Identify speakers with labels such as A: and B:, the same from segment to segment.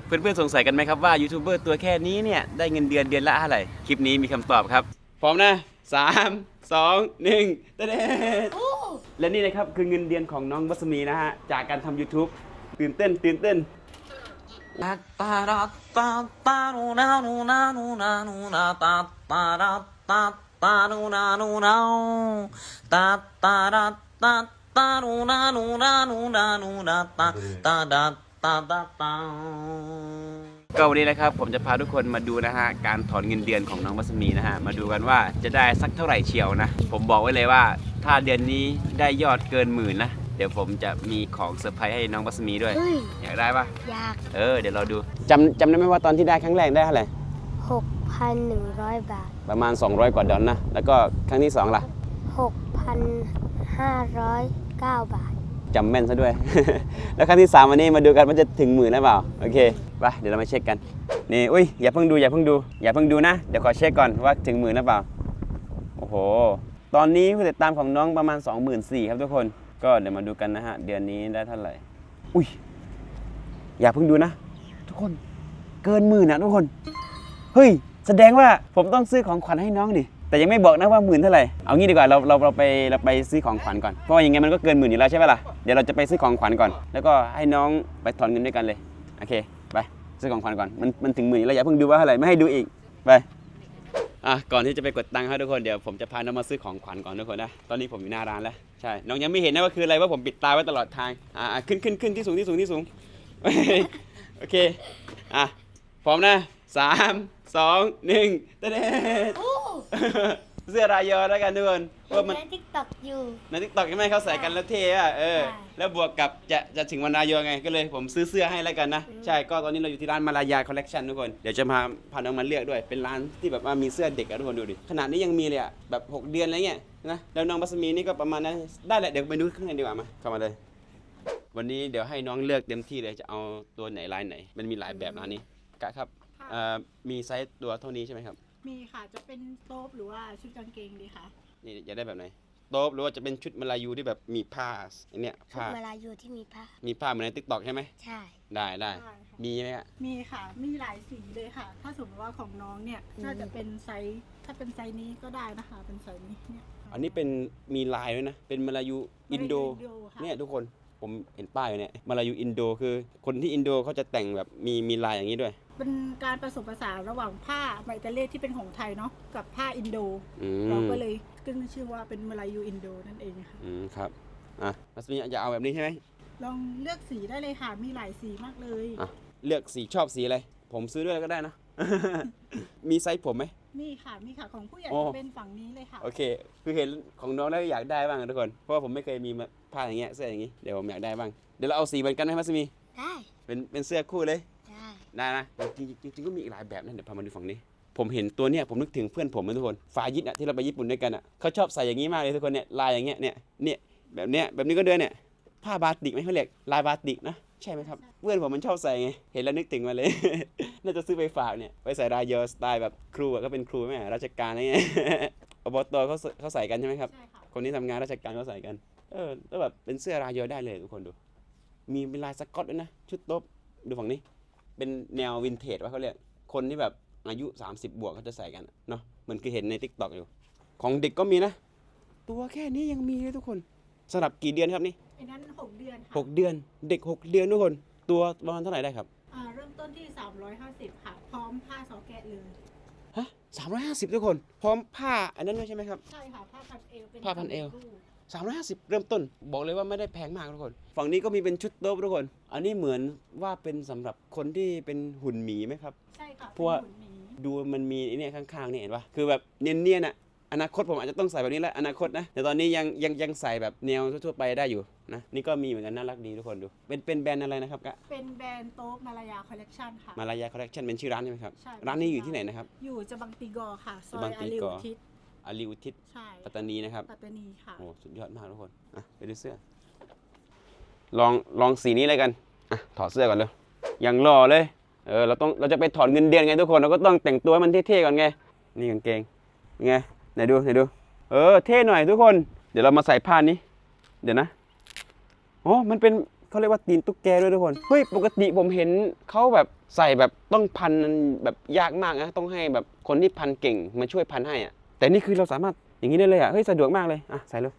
A: เพื่อนๆสงสัยกันไหมครับว่ายูทูบเบอร์ตัวแค่นี้เนี่ยได้เงินเดือนละเท่าไหร่คลิปนี้มีคำตอบครับพร้อมนะ3 2 1เต้นและนี่นะครับคือเงินเดือนของน้องบัสมีนะฮะจากการทำ YouTube ตื่นเต้นก็วันนี้นะครับผมจะพาทุกคนมาดูนะฮะการถอนเงินเดือนของน้องบัสมีนะฮะมาดูกันว่าจะได้สักเท่าไหร่เชียวนะผมบอกไว้เลยว่าถ้าเดือนนี้ได้ยอดเกิน10,000นะเดี๋ยวผมจะมีของเซอร์ไพรส์ให้น้องบัสมีด้วยอยากได้ปะ
B: อยาก
A: เดี๋ยวเราดูจำได้ไหมว่าตอนที่ได้ครั้งแรกได้เท่าไหร่
B: 6,100 บาท
A: ประมาณ200 กว่าดอลนะแล้วก็ครั้งที่2ล่ะ
B: 6,509 บาท
A: จำแม่นซะด้วย แล้วครั้งที่3วันนี้มาดูกันว่าจะถึง10,000หรือเปล่าโอเคไปเดี๋ยวเรามาเช็คกันนี่อุ้ยอย่าเพิ่งดูนะเดี๋ยวขอเช็คก่อนว่าถึง10,000หรือเปล่าโอ้โหตอนนี้ผู้ติดตามของน้องประมาณ 24,000 ครับทุกคนก็เดี๋ยวมาดูกันนะฮะเดือนนี้ได้เท่าไหร่อุ้ยอย่าเพิ่งดูนะทุกคนเกิน10,000นะทุกคนเฮ้ยแสดงว่าผมต้องซื้อของขวัญให้น้องดิแต่ยังไม่บอกนะว่า10,000เท่าไหร่เอางี้ดีกว่าเราไปซื้อของขวัญก่อนเพราะว่ายังไงมันก็เกิน10,000อยู่แล้วใช่ไหมล่ะเดี๋ยวเราจะไปซื้อของขวัญก่อนแล้วก็ให้น้องไปถอนเงินด้วยกันเลยโอเคไปซื้อของขวัญก่อนมันถึง10,000แล้วอย่าเพิ่งดูว่าเท่าไหร่ไม่ให้ดูอีกไปก่อนที่จะไปกดตังค์ให้ทุกคนเดี๋ยวผมจะพาน้องมาซื้อของขวัญก่อนทุกคนนะตอนนี้ผมอยู่หน้าร้านแล้วใช่น้องยังไม่เห็นนะว่าคืออะไรว่าผมปิดตาไว้ตลอดทางขึ้นที่สูงโอเคพร้อมนะ3 2 1เต้นเสื้อรายอแล้วกันทุกคนว่ามัน
B: ใน TikTok อยู่
A: ใน TikTok ใช่ไหมเขาใส่กันแล้วเท่แล้วบวกกับจะถึงวันรายอไงก็เลยผมซื้อเสื้อให้แล้วกันนะใช่ก็ตอนนี้เราอยู่ที่ร้านมาลายาคอลเลคชันทุกคนเดี๋ยวจะพาน้องมาเลือกด้วยเป็นร้านที่แบบว่ามีเสื้อเด็กทุกคนดูดิขนาดนี้ยังมีเลยแบบ6 เดือนอะไรเงี้ยนะแล้วน้องบัสมีนี่ก็ประมาณนั้นได้แหละเดี๋ยวไปดูข้างในดีกว่ามาเข้ามาเลยวันนี้เดี๋ยวให้น้องเลือกเต็มที่เลยจะเอาตัวไหนลายไหนมันมีหลายแบบร้านนี้กะครับมีไซส์ตัวเท่านี้ใช่ไหมครับ
C: มีค่ะจะเป็นโต๊ะหรือว่าชุดกางเกงดีคะ
A: นี่อยากได้แบบไหนโต๊ะหรือว่าจะเป็นชุดมาลายูที่แบบมีผ้าอันเนี้ย
B: ชุดมาลายูที่มี
A: ผ้าเหมือนใน TikTok ใช่ไหม
B: ใช่
A: ได้มีไหมฮะ
C: มีค่ะมีหลายสีเลยค่ะถ้าสมมติว่าของน้องเนี่ยน่าจะเป็นไซส์ถ้าเป็นไซส์นี้ก็ได้นะคะเป็นไซส์นี้เนี่ย
A: อันนี้เป็นมีลายด้วยนะเป็นมาลายูอินโดเนี่ยทุกคนผมเห็นป้ายอยู่เนี่ยมาลายูอินโดคือคนที่อินโดเขาจะแต่งแบบมีลายอย่างนี้ด้วย
C: เป็นการผสมผสานระหว่างผ้าไมเตเลที่เป็นของไทยเนาะกับผ้าอินโดเราก็เลยขึ้นชื่อว่าเป็นมาลายูอินโดนั่นเองค่ะ
A: ครับมัสมีจะเอาแบบนี้ใช่ไหม
C: ลองเลือกสีได้เลยค่ะมีหลายสีมากเลย
A: เลือกสีชอบสีอะไรผมซื้อด้วยก็ได้นะ มีไซส์ผมไหม
C: มีค่ะของผู้ใหญ่จะเป็นฝั่งนี้เลยค่ะ
A: โอเคคือเห็นของน้องแล้วอยากได้บ้างทุกคนเพราะว่าผมไม่เคยมีผ้าอย่างเงี้ยเสื้ออย่างงี้เดี๋ยวผมอยากได้บ้างเดี๋ยวเราเอาสีเหมือนกันไหมมัสมี
B: ได้
A: เป็นเสื้อคู่เลยได้นะจริงก็มีอีกหลายแบบนะเดี๋ยวพามาดูฝั่งนี้ผมเห็นตัวเนี้ยผมนึกถึงเพื่อนผมนะทุกคนฟายิดที่เราไปญี่ปุ่นด้วยกันเขาชอบใส่อย่างนี้มากเลยทุกคนเนี่ยลายอย่างเงี้ยเนี่ยแบบนี้ก็ด้วยเนี่ยผ้าบาติกไหมเขาเรียกลายบาติกนะใช่ไหมครับเพื่อนผมมันชอบใส่ไงเห็นแล้วนึกถึงมาเลย น่าจะซื้อไปฝากเนี่ยไปใส่รายเยอสไตล์แบบครูก็เป็นครูแม่ราชการอะไรเงี้ย อบตเขาใส่กันใช่ไหมครับคนที่ทำงานราชการเขาใส่กันแล้วแบบเป็นเสื้อรายเยอได้เลยทุกคนดูมีเป็นลายสก๊อตด้วยนะชุดโต๊ะดูฝั่งนี้เป็นแนววินเทจว่าเขาเรียกคนที่แบบอายุ30 บวกเขาจะใส่กันเนาะเหมือนเคยเห็นใน TikTok อยู่ของเด็กก็มีนะตัวแค่นี้ยังมีเลยทุกคนสำหรับกี่เดือนครับนี่
C: อันนั้น6 เดือน
A: 6 เดือนเด็ก6 เดือนทุกคนตัวประมาณเท่าไหร่ได้ครับ
C: เริ่มต้นที่350ค่ะพร้อมผ้าซอแกะเลย
A: ฮะ350ทุกคนพร้อมผ้าอันนั้นด้วยใช่ไหมครับ
C: ใช่ค่ะผ้าพันเอวเป็น
A: ผ้าพันเอว350เริ่มต้นบอกเลยว่าไม่ได้แพงมากทุกคนฝั่งนี้ก็มีเป็นชุดโต๊ะทุกคนอันนี้เหมือนว่าเป็นสำหรับคนที่เป็นหุ่นหมีไหมครับ
C: ใช่ค่ะ
A: เพราะว่าดูมันมีเนี่ยข้างๆนี่เห็นปะคือแบบเนียนอนาคตผมอาจจะต้องใส่แบบนี้แหละอนาคตนะแต่ตอนนี้ยังใส่แบบแนวทั่วไปได้อยู่นะนี่ก็มีเหมือนกันน่ารักดีทุกคนดูเป็นแบรนด์อะไรนะครับกะ
C: เป็นแบรนด์โต๊ะมาลายาคอลเลคชันค่ะ
A: มาลายาคอลเลคชันเป็นชื่อร้านใช่ไหมครับร้านนี้อยู่ที่ไหนนะครับ
C: อยู่จะบังตีกอค่ะซอยอาลีอุทิศ
A: ใช่ปัตตานีนะครับ
C: ปัตตานีค่ะ
A: โอ้สุดยอดมากทุกคนไปดูเสื้อลองสีนี้เลยกันถอดเสื้อก่อนเลยยังหล่อเลยเราจะไปถอนเงินเดือนไงทุกคนเราก็ต้องแต่งตัวให้มันเท่ๆก่อนไงนี่กางเกงไงไหนดูเท่หน่อยทุกคนเดี๋ยวเรามาใส่ผ้านี้เดี๋ยวนะมันเป็นเขาเรียกว่าตีนตุ๊กแกด้วยทุกคนเฮ้ยปกติผมเห็นเขาแบบใส่แบบต้องพันแบบยากมากนะต้องให้แบบคนที่พันเก่งมาช่วยพันให้อ่ะแต่นี่คือเราสามารถอย่างนี้ได้เลยอ่ะเฮ้ยสะดวกมากเลยอ่ะใส่เลย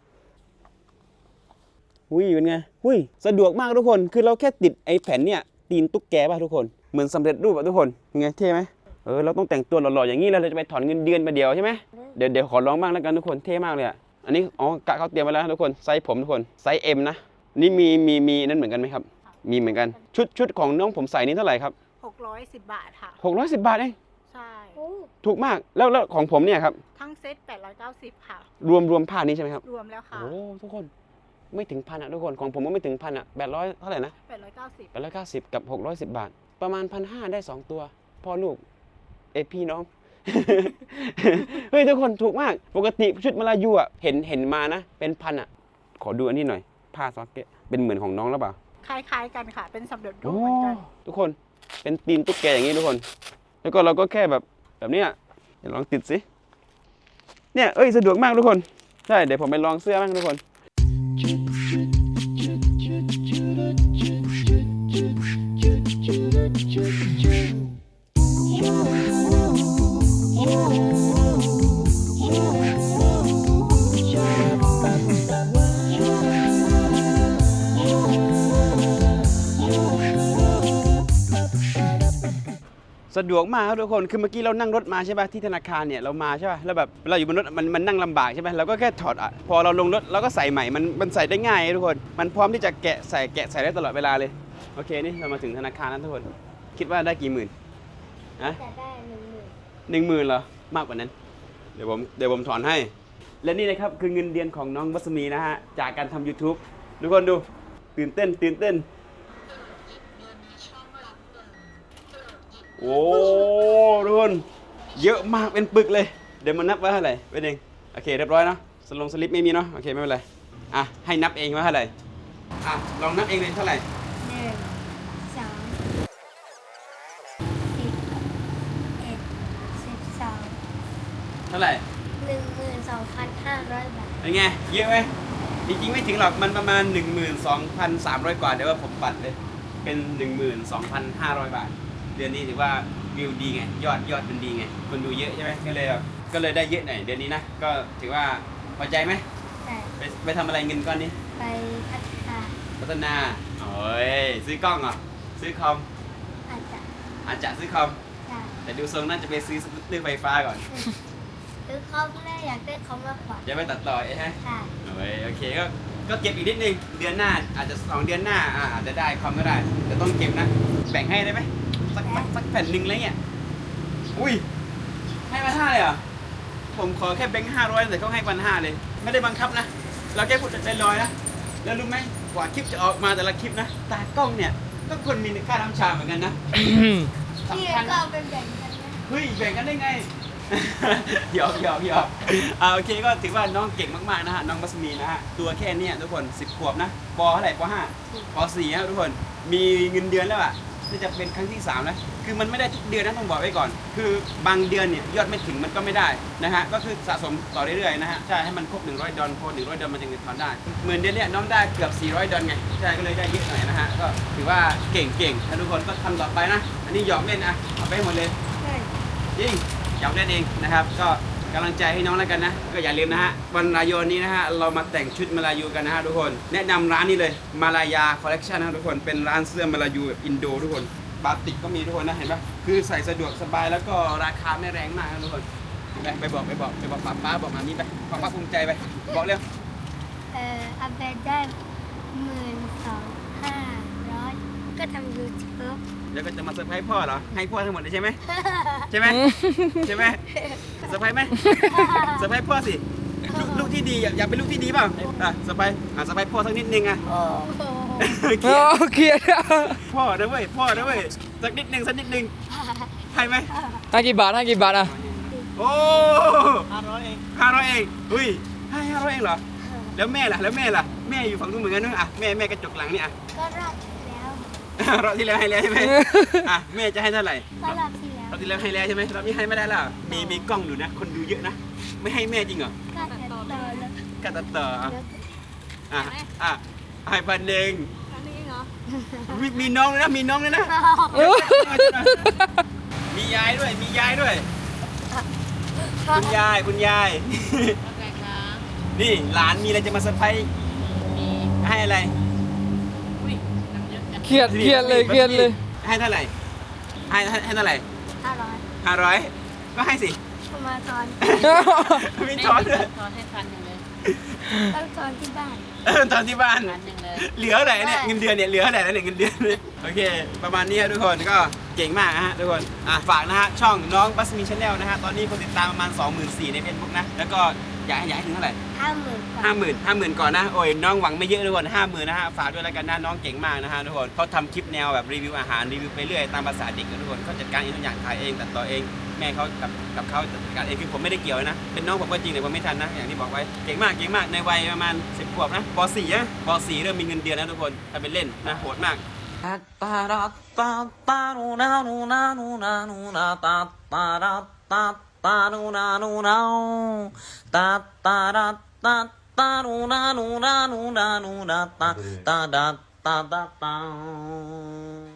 A: หุ้ยเป็นไงหุ้ยสะดวกมากทุกคนคือเราแค่ติดไอ้แผ่นเนี่ยตีนตุ๊กแกป่ะทุกคนเหมือนสำเร็จรูปอ่ะทุกคนไงเท่ไหมเราต้องแต่งตัวหล่อๆอย่างนี้แล้วเราจะไปถอนเงินเดือนมาเดียวใช่ไหมเดี๋ยวขอลองบ้างแล้วกันทุกคนเท่มากเลยอ่ะอันนี้อ๋อกะเขาเตรียมมาแล้วทุกคนไซส์ผมทุกคนไซส์ M นะนี่มีนั่นเหมือนกันไหมครับมีเหมือนกันชุดของน้องผมใส่นี่เท่าไหร่ครับ
C: 610 บาทค่ะ
A: 610 บาทเอง
C: ใช่
A: ถูกมากแล้วของผมเนี่ยครับ
C: ทั้งเซ็ต890ค่ะ
A: รวมผ้านี้ใช่ไหมครับ
C: รวมแล้วค่ะ
A: โอ้ทุกคนไม่ถึงพันอ่ะทุกคนของผมก็ไม่ถึงพันอ่ะ800เท่าไหร่นะ
C: 890
A: 890กับ610 บาท ประมาณ 1,500 ได้ 2 ตัวพ่อลูกพี่น้อง เฮ้ยทุกคนถูกมากปกติชุดมาลายูอ่ะเห็นมานะเป็นพันอ่ะขอดูอันนี้หน่อยผ้าซ็อกเก็ตเป็นเหมือนของน้องหรือเปล่า
C: คล้ายๆกันค่ะ เป็นสำเร็จรู
A: โอ้
C: ปเหมือนกัน
A: ทุกคนเป็นตีนตุ๊กแกอย่างนี้ทุกคน แล้วก็เราก็แค่แบบเนี้ยเดี๋ยวลองติดสิเนี่ยสะดวกมากทุกคนใช่เดี๋ยวผมไปลองเสื้อบ้างทุกคนสะดวกมากครับทุกคนคือเมื่อกี้เรานั่งรถมาใช่ป่ะที่ธนาคารเนี่ยเรามาใช่ป่ะแล้วแบบเราอยู่บนรถมันนั่งลำบากใช่ไหมเราก็แค่ถอดอ่ะพอเราลงรถเราก็ใส่ใหม่มันใส่ได้ง่ายทุกคนมันพร้อมที่จะแกะใส่ได้ตลอดเวลาเลยโอเคนี่เรามาถึงธนาคารแล้วทุกคนคิดว่าได้กี่หมื่นนะ
B: จะได้10,000
A: 10,000เหรอมากกว่านั้นเดี๋ยวผมถอนให้และนี่นะครับคือเงินเดือนของน้องวัสมีนะฮะจากการทำ YouTube ทุกคนดูตื่นเต้นโอ้ทุกคนเยอะมากเป็นปึกเลยเดี๋ยวมานับว่าเท่าไหร่เป็นเองโอเคเรียบร้อยเนาะสลิปไม่มีเนาะโอเคไม่เป็นไรอ่ะให้นับเองว่าเท่าไหร่อ่ะลองนับเองเลยเท่าไหร่
B: 1 2 10 11 12
A: เท่าไหร่
B: 12,500 บาท
A: เป็นไงเยอะไหมจริงๆไม่ถึงหรอกมันประมาณ 12,300 กว่าเดี๋ยวว่าผมปัดเลยเป็น 12,500 บาทเดือนนี้ถือว่าวิวดีไงยอดมันดีไงคนดูเยอะใช่ไหมก็เลยได้เยอะหน่อยเดือนนี้นะก็ถือว่าพอใจไหม
B: ใช่
A: ไปทำอะไรเงินก้อนนี้
B: ไปพัฒนา
A: โอ้ยซื้อกล้องเหรอซื้อคอม
B: อาจจะ
A: ซื้อคอม
B: ได้
A: แต่ดูทรงน่าจะไปซื้อสกูตเตอร์ไฟฟ้าก่อน
B: ซื้อคอมแรกอยากได้คอมมากกว่า
A: จะไปตัดต่อใช่ไหม
B: ใช่
A: โอเคก็เก็บอีกนิดนึงเดือนหน้าอาจจะ2 เดือนหน้าอาจจะได้คอมก็ได้แต่ต้องเก็บนะแบ่งให้ได้ไหมสักแผ่นหนึ่งอะไรเงี้ยอุ้ยให้มา5เลยเหรอผมขอแค่แบงค์500แต่เขาให้1,500เลยไม่ได้บังคับนะเราแค่พูดใจลอยนะแล้วรู้ไหมกว่าคลิปจะออกมาแต่ละคลิปนะตากล้องเนี่ยก็คนมีค่าน้ำชาเหมือนกันนะ
B: พี่
A: สำคัญ
B: ก็เอาเป็นแบ่งกันนะ
A: เฮ้ยแบ่งกันได้ไง หยอกโอเคก็ถือว่าน้องเก่งมากๆนะฮะน้องมัสมีนะฮะตัวแค่เนี้ยทุกคน10 ขวบนะปเท่าไหร่ป .5 ป .4 นะทุกคนมีเงินเดือนแล้วอ่ะนี่จะเป็นครั้งที่3แล้วคือมันไม่ได้ทุกเดือนนะต้องบอกไว้ก่อน คือบางเดือนเนี่ยยอดไม่ถึงมันก็ไม่ได้นะฮะก็คือสะสมต่อเรื่อยๆนะฮะใช่ให้มันครบ100 ดอลพอ100 ดอลมันจึงจะถอนได้เหมือนเดือนเนี้ยน้องได้เกือบ400 ดอลไงใช่ก็เลยได้เยอะหน่อยนะฮะก็ถือว่าเก่งถ้าทุกคนก็ทำต่อไปนะอันนี้หยอกเล่นนะเอาไปให้หมดเลย
B: ใช่
A: จริงอยากเล่นเองนะครับก็กำลังใจให้น้องแล้วกันนะก็อย่าลืมนะฮะวันรายนนี้นะฮะเรามาแต่งชุดมาลายูกันนะฮะทุกคนแนะนำร้านนี้เลยมาลายาคอลเลคชันนะทุกคนเป็นร้านเสื้อมาลายูแบบอินโดทุกคนบาติกก็มีทุกคนนะเห็นปะคือใส่สะดวกสบายแล้วก็ราคาไม่แรงมากนะทุกคนไปบอกป้าบอกมามีไปป้าภูมิใจไปบอกเร็ว
B: อาเบดได้12,500ก็ทำยูทูบ
A: เดี๋ยวก็จะมาเซอร์ไพรส์พ่อเหรอให้พ่อทั้งหมดเลยใช่ไหมใช่ไหมเซอร์ไพรส์ไหมเซอร์ไพรส์พ่อสิลูกที่ดีอยากเป็นลูกที่ดีเปล่าเซอร์ไพรส์พ่อสักนิดนึงอ่ะ
B: โอ้โห
D: เกลียด
A: พ่อนะเว้ยสักนิดนึงให้ไหม
D: ให้กี่บาทอ่ะ
A: โอ้500 เองอุ้ยให้500 เองเหรอแล้วแม่ล่ะแม่อยู่ฝั่งนู้นเหมือนกันนู้นอ่ะแม่กระจกหลังนี่อ่ะ
B: ก็รอบที่แล้ว
A: รอบที่แล้วให้แล้วใช่ไหมอ่ะแม่จะให้เท่าไหร่
B: ก็รอบที่แล้ว
A: รอบที่แล้วให้แล้วใช่ไหมรอบนี้ให้ไม่ได้แล้วมีกล้องดูนะคนดูเยอะนะไม่ให้แม่จริงเหรอ
B: ก็จะต่อแล้ว
A: ก็ตัดต่ออ่ะให้1,000
C: อันนี้เหรอ
A: มีน้องเลยนะคุณยายคุณยาย นี่หลานมีอะไรจะมาเซอร์ไพรส์ให้อะไร
D: เครียดเครียดเลยเครียดเลย
A: ให้เท่าไหร่ให้เท่าไหร่
B: 500
A: 500ก็ให้สิ
B: ประมาณตอน
A: มีช้อนด้วย
E: ทอนให้พันหนึ่งเลย
B: ต้องตอนที่บ้าน
A: ตอนที่บ้าน
E: พันหนึ่งเลย
A: เหลือไหนเนี่ยเงินเดือนเนี่ยเหลือไหนแล้วเนี่ยเงินเดือนเนี่ยโอเค ประมาณนี้ครับทุกคนก็เก่งมากนะฮะทุกคนฝากนะฮะช่องน้องบัสมีชาแนลนะฮะตอนนี้คนติดตามประมาณ 24,000ใน Facebook นะแล้วก็อยากให้ถึงเท่าไหร่
B: 50,000
A: 50,000ก่อนนะโอ้ยน้องหวังไม่เยอะทุกคน50,000นะฮะฝากด้วยแล้วกันนะน้องเก่งมากนะฮะทุกคนเขาทำคลิปแนวแบบรีวิวอาหารรีวิวไปเรื่อยตามภาษาเด็กนะทุกคนเขาจัดการเองทุกอย่างถ่ายเองตัดต่อเองแม่เขากับเขาจัดการเองคือผมไม่ได้เกี่ยวนะเป็นน้องผมก็จริงแต่ผมไม่ทันนะอย่างที่บอกไว้เก่งมากในวัยประมาณ10 ขวบนะป .4 นะป .4 เริ่มมีเงินเดือนแล้วทุกคนถ้าเป็นเล่นนะโหดมาก
F: Ta da ta da ta.